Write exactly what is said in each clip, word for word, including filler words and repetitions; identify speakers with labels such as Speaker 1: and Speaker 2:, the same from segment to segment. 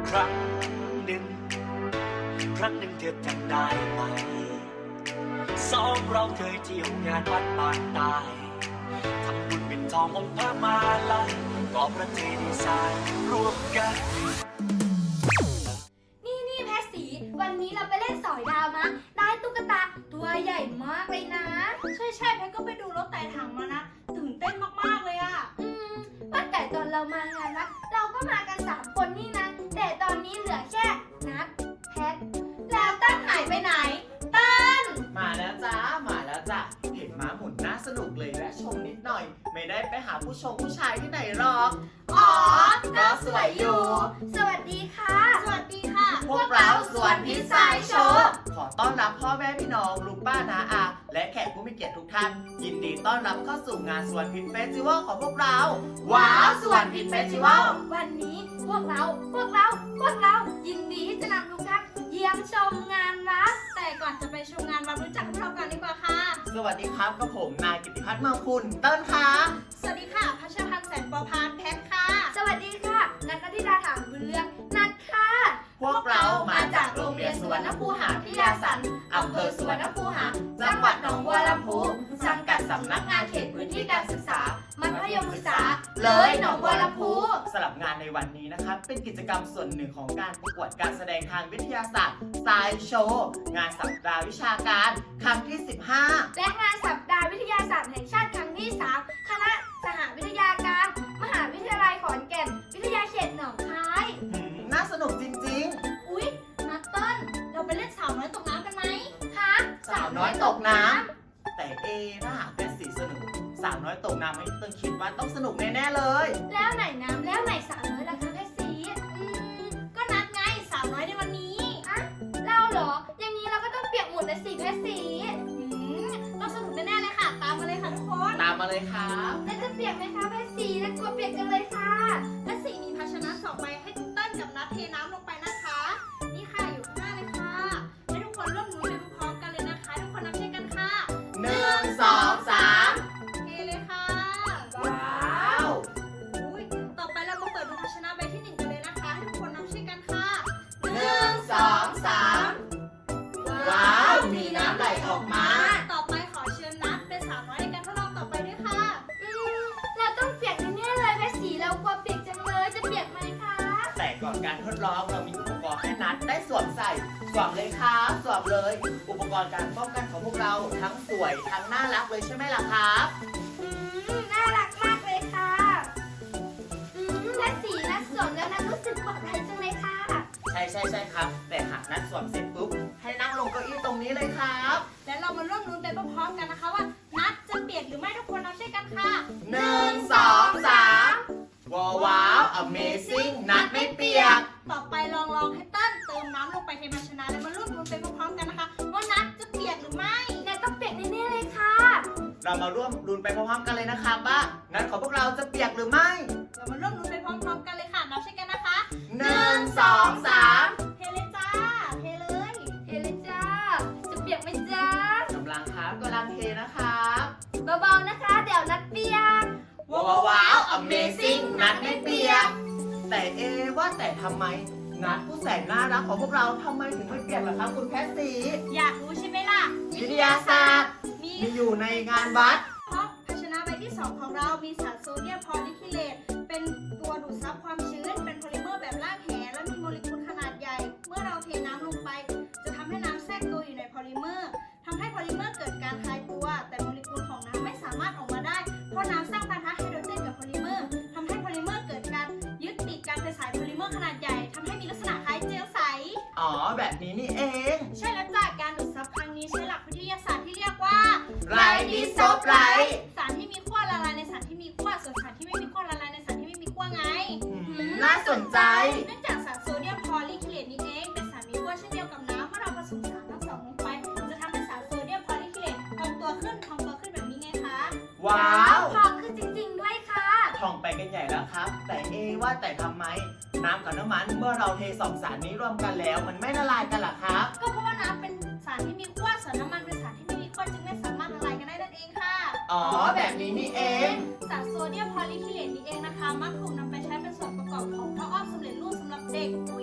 Speaker 1: ครั้งหนึ่งครั้งหนึ่งเธอจำได้ไหมสองเราเคยเที่ยวงานวัดบางตายทำบุญเป็นทององค์พระมาลัยก่อพระเจดีย์สร้างรวมกัน
Speaker 2: นี่นี่แพทสีวันนี้เราไปเล่นสอยดาวนะได้ตุ๊กตาตัวใหญ่มากเลยนะ
Speaker 3: ใช่ใช่แพทก็ไปดูรถไต่ถังมานะตื่นเต้นมากๆเลยอะ
Speaker 2: อืมว่าแต่ตอนเรามางานวัดเราก็มากันสามคนนี่นะแต่ตอนนี้เหลือแค่นัดแพทแล้วตั้งหายไปไหนตั้น
Speaker 4: มาแล้วจ้ามาแล้วจ้ะเห็นม้าหมุนน่าสนุกเลยและชมนิดหน่อยไม่ได้ไปหาผู้ชมผู้ชายที่ไหนหรอก
Speaker 2: อ๋อก็สวยอยู่สวัสดีค่ะ
Speaker 3: สวัสดีค่ะ
Speaker 4: พวกเราสวนพิซซ่าโชว์ขอต้อนรับพ่อแม่พี่น้องลุงป้าน้าอาและแขกผู้มีเกียรติทุกท่านยินดีต้อนรับเข้าสู่งานสวนพิซเฟสติวัลของพวกเราว้าวสวนพิซเฟสติวัล
Speaker 2: วันนี้พวกเราพวกเราพวกเรายินดีที่จะนำทุกท่านเยี่ยมชมงานวัด
Speaker 3: แต่ก่อนจะไปชมงานวัดรู้จักพวกเราก่อนดีกว่าค่ะ
Speaker 4: สวัสดีครับกับผมนายกิติพัฒน์เมืองคุณเติ้ลค่ะ
Speaker 3: สวัสดีค่ะพัชรพันธ์แสนปอพานแพทค่ะ
Speaker 2: สวัสดีค่ะนัทธิดาถามบุญเรืองนัทค่ะ
Speaker 4: พวกเรามาจากโรงเรียนสุวรรณคูหาพิทยาสันอำเภอสุวรรณคูหาจังหวัดหนองบัวลำพูสังกัดสำนักงานเขตพื้นที่การศึกษา
Speaker 2: มัธยมศึกษา
Speaker 4: เลยหนองบัวลำพูสำหรับงานในวันนี้นะครับเป็นกิจกรรมส่วนหนึ่งของการประกวดการแสดงทางวิทยาศาสตร์ไซส์โชว์งานสัปดาห์วิชาการครั้งที่สิบห้า
Speaker 2: และงานสัปดาห์วิทยาศาสตร์แห่งชาติครั้งที่สามคณะสหวิทยาการมหาวิทยาลัยขอนแก่นวิทยาเขตหนองคาย
Speaker 4: น่าสนุกจริง
Speaker 3: ๆอุ๊ยนัตเติ้ลเราไปเล่นสาวน้อยตกน้ำกันไหม
Speaker 2: ฮะ
Speaker 4: สาวน้อยตกน้ำแต่เอถ้าหากเป็นสีสนุกสาวน้อยตกน้ำไม่ต้องคิดว่าต้องสนุกแน่ๆเลย
Speaker 2: แล้วไหนน้ำแล้วไหนสาวน้อยล่ะคะแพทสี
Speaker 3: อืมก็นัดไงสาวน้อยในวันนี้
Speaker 2: อะเราเหรออย่างนี้เราก็ต้องเปียกหมดเลยสิแพทสี
Speaker 3: อืมต้องสนุกแน่ๆเลยค่ะตามมาเลยค่ะทุกคน
Speaker 4: ตามมาเลยครับ
Speaker 2: แล้วจะเปียกไหมคะแพทสีแล้วกลัวเปียกกันเลยค่ะ
Speaker 3: แพทสีมีภาชนะสองใบให้เติ้ลกับนัดเทน้ำลงไปนะคะนี่ค่ะอยู่ข้างหน้าเลยค่ะให้ทุกคนร่วมมือไปพร้อมกันเลยนะคะทุกคนนับช่วยกันค่ะ
Speaker 4: หนึ่งสองสาม
Speaker 3: เทเลยค่ะ
Speaker 4: ว้าว
Speaker 3: อุ้ยต่อไปเรามาเปิดดูภาชนะใบที่หนึ่งกันเลยนะคะให้ทุกคนนับช่วยกันค่ะ
Speaker 4: หนึ่งสองสามว้าวมีน้ำไหลออกมา
Speaker 3: ต่อไปขอเชิญนัดเป็นสาวน้อยในการทดลองต่อไปด้วยค่ะ
Speaker 2: อืมเราต้องเปียกแน่ๆเลยแพทสีเรากลัวเปียกจังเลยจะเปียกไหมคะ
Speaker 4: แต่ก่อนการทดลองเรามีอุปกรณ์ให้นัดได้สวมใส่สวมเลยครับสวมเลยอุปกรณ์การป้องกันของพวกเราทั้งสวยทั้งน่ารักเลยใช่ไหมล่ะครับ
Speaker 2: อืมน่ารักมากเลยค่ะอืมและสีและสวมแล้วนะรู้สึกปลอดภัยจังเลยค่ะ
Speaker 4: ใช่ใช่ใช่ครับแต่หากนัดสวมเสร็จปุ๊บให้นั่งลงเก้าอี้ตรงนี้เลยครับ
Speaker 3: และเรามาร่วมรุ้นไปพร้อมๆกันนะคะว่านัดจะเปียกหรือไม่ทุกคนนับช่วยกันค่ะ
Speaker 4: หนึ่งสองสามว้าวว้าว Amazing นัดไม่เปียก
Speaker 3: ต่อไปลองลองให้เติ้ลเติมน้ำลงไปในภาชนะแล้วมาร่วมรุ้นไปพร้อมๆกันนะคะว่านัดจะเปียกหรือไม่
Speaker 2: นัดต้องเปียกแน่ๆเลยค่ะ
Speaker 4: เรามาร่วมรุ้นไปพร้อมๆกันเลยนะคะว่านัดของพวกเราจะเปียกหรือไม่
Speaker 3: เรามาร่วมรุ้นไปพร้อมๆกันเลยค่ะนับช่วยกันนะคะ
Speaker 4: หนึ่งสองสาม
Speaker 3: เทเลยจ้าเทเลย
Speaker 2: เทเลยจ้าจะเปียกไหมจ้าก
Speaker 4: ำลังครับกำลังเทนะครับ
Speaker 2: เบาๆนะคะเดี๋ยวนัดเปียก
Speaker 4: ว้าวว้าว Amazing นัดไม่เปียกแต่เอว่าแต่ทำไมนัดผู้แสนน่ารักของพวกเราทำไมถึงไม่เปียกล่ะครับคุณแพทสี
Speaker 3: อยากรู้ใช่ไหมล่ะ
Speaker 4: วิทยาศาสตร์มีอยู่ในงานวัด
Speaker 3: เพราะภาชนะใบที่สองของเรามีสารโซเดียมพอลิคิเลตเป็นตัวดูดซับความชื้นเป็นโพลิเมอร์แบบรากแหและมีโมเลกุลขนาดใหญ่เมื่อเราเทน้ำลงไปจะทำให้น้ำแทรกตัวอยู่ในโพลิเมอร์ทำให้โพลิเมอร์เกิดการคลายตัวแต่โมเลกุลของน้ำไม่สามารถออกมาได้เพราะน้ำสร้างปะทะไฮโดรเจนกับโพลิเมอร์ทำให้โพลิเมอร์เกิดการยึดติดกันเป็นสายโพลิเมอร์ขนาดใหญ่ทำให้มีลักษณะคล้ายเจลใส
Speaker 4: อ๋อแบบนี้นี่เอง
Speaker 3: ใช่แล้วจากการดูดซับครั้งนี้ใช้หลักวิทยาศาสตร์ที่เรียกว่า
Speaker 4: ไรดิโซไบรท์
Speaker 3: สารที่มีขั้วละลายในสารที่มีขั้วส่วนสารที่ไม่มีขั้วละลายในสารที่ไม่มีขั้วไง
Speaker 4: น่าสนใจ
Speaker 3: เนื่องจากสารโซเดียมพอลิคิเลตนี้เองเป็นสารมีขั้วเช่นเดียวกับน้ำเมื่อเราผสมสารทั้งสองลงไปจะทำให้สารโซเดียมพอลิคิเลตพองตัวขึ้นพองตัวขึ้นแบบนี้ไงคะ
Speaker 4: ว้าว
Speaker 2: พองขึ้นจริงๆด้วยค่ะ
Speaker 4: พองไปกันใหญ่แล้วครับแต่เอว่าแต่ทำไมน้ำกับน้ำมันเมื่อเราเทสองสารนี้รวมกันแล้วมันไม่ละลายกันล่ะครับ
Speaker 3: ก็เพราะว่าน้ำเป็นสารที่มีขั้วส่วนน้ำมันเป็นสารที่ไม่มีขั้วจึงไม่สามารถละลายกันได้นั่นเองค่ะ
Speaker 4: อ๋อแบบนี้นี่เอง
Speaker 3: สารโซเดียมพอลิคิเลตนี้เองนะคะมักถูกนำไปใช้เป็นส่วนประกอบของผ้าอ้อมสำเร็จรูปสำหรับเด็กผู้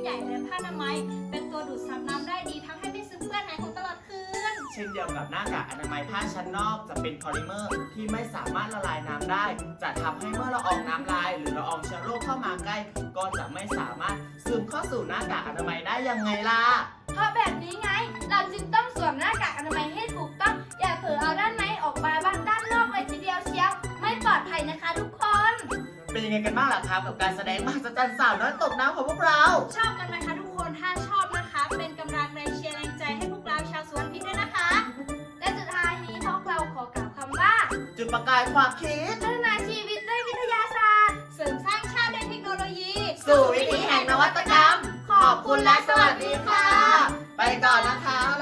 Speaker 3: ใหญ่และผ้าอนามัย เป็นตัวดูดซับน้ำได้ดีทำให้ไม่ซึมเปื้อนหายของตลอดคืน
Speaker 4: เช่นเดียวกับหน้ากากอนามัยผ้าชั้นนอกจะเป็นพอลิเมอร์ที่ไม่สามารถละลายน้ำได้ จะทำให้เมื่อละอองน้ำลายหรือละอองเชื้อโรคเข้ามาใกล้ ก็จะไม่สามารถซึมเข้าสู่หน้ากากอนามัยได้ยังไงล่ะ
Speaker 2: เพราะแบบนี้ไง เราจึงต้องสวมหน้ากากอนามัยให้ถูกต้อง อย่าเผลอเอาด้านในออกมาบ้างด้านนอกเลยทีเดียวเชียว ไม่ปลอดภัยนะคะทุกคน
Speaker 4: เป็นยังไงกันบ้างล่ะครับกับการแสดงมหัศจรรย์สาวน้อยตกน้ำของพวกเรา
Speaker 3: ชอบกันไหมคะทุกคน ถ้าชอบนะคะ เป็นกำลังแรงเชียร์แรงใจให้พวกเราชาวสวนพิษด้วยนะคะ
Speaker 2: และสุดท้ายนี้พวกเราขอกล่าวคำว่า
Speaker 4: จุดประกายความคิด
Speaker 2: พัฒนาชีวิตด้วยวิทยาศาสตร์
Speaker 3: เสริมสร้างชาติด้วยเทคโนโลยี
Speaker 4: สู่วิถีแห่งนวัตกรรม ขอบคุณและสวัสดีค่ะ ไปก่อนนะคะ